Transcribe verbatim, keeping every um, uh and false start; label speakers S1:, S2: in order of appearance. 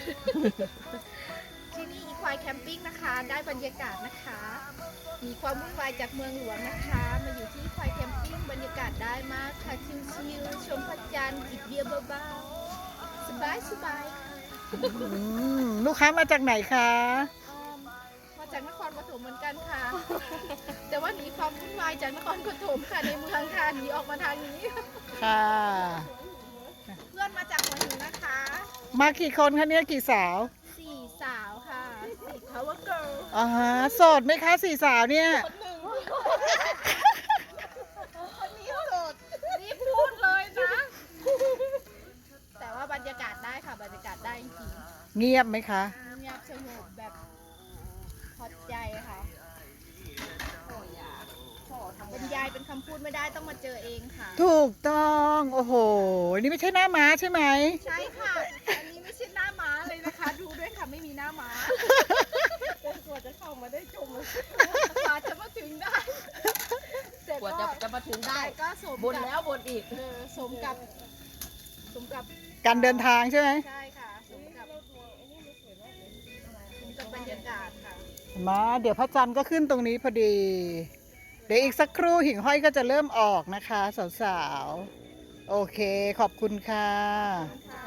S1: ที่นี่อีควายแคมปิ้งนะคะได้บรรยากาศนะคะ มีความวุ่นวายจากเมืองหลวงนะคะ มาอยู่ที่อีควายแคมปิ้งบรรยากาศได้มากค่ะชิลๆชมพระจันทร์จิบเบียร์เบาๆสบายสบายๆค่ะ
S2: อืมลูกค้ามาจากไหนคะ
S1: อืมมาจากนครปฐมเหมือนกันค่ะ แต่ว่าหนีความวุ่นวายจากนครปฐมค่ะในเมืองค่ะหนีออกมาทางนี้
S2: ค่ะ
S1: เพื่อนมาจากหัวหินนะคะ
S2: มากี่คนคะเนี่ยกี่สาว
S1: สี่สาวค่ะสี่ power girl
S2: อ๋อฮะโสดไหมคะสี่สาวเนี่ย
S1: คนหนึ่งคนนี้โสดรีบพูดเลยนะ แต่ว่าบรรยากาศได้ค่ะบรรยากาศได้จริง
S2: เงียบไหมคะ
S1: ๆเงียบสงบแบบพอใจค่ะบรรยายเป็นคำพูดไม่ได้ต้องมาเจอเองค่ะ
S2: ถูกต้องโอ้โหนี่ไม่ใช่หน้าม้าใช่ไหม
S1: ใช่ค่ะ อันนี้ไม่ใช่หน้าม้าเลยนะคะ ดูด้วยค่ะไม่มีหน้าม้าเป็นกว่าจะเข้ามาได้ชมกว่าจะมาถึงได้แต่
S3: กว่าจะจะมาถึงได้
S1: แต่ก็สม
S3: บน
S1: กับ
S3: แล้วบนอีก
S1: เออสมกับสมกับ
S2: การเดินทางใช่ไหม
S1: ใช่ค่ะสมกับสมกับบรรยากาศค่ะ
S2: มาเดี๋ยวพระจันทร์ก็ขึ้นตรงนี้พอดี เดี๋ยวอีกสักครู่หิ่งห้อยก็จะเริ่มออกนะคะ สาวๆ โอเคขอบคุณค่ะ
S1: ค่ะ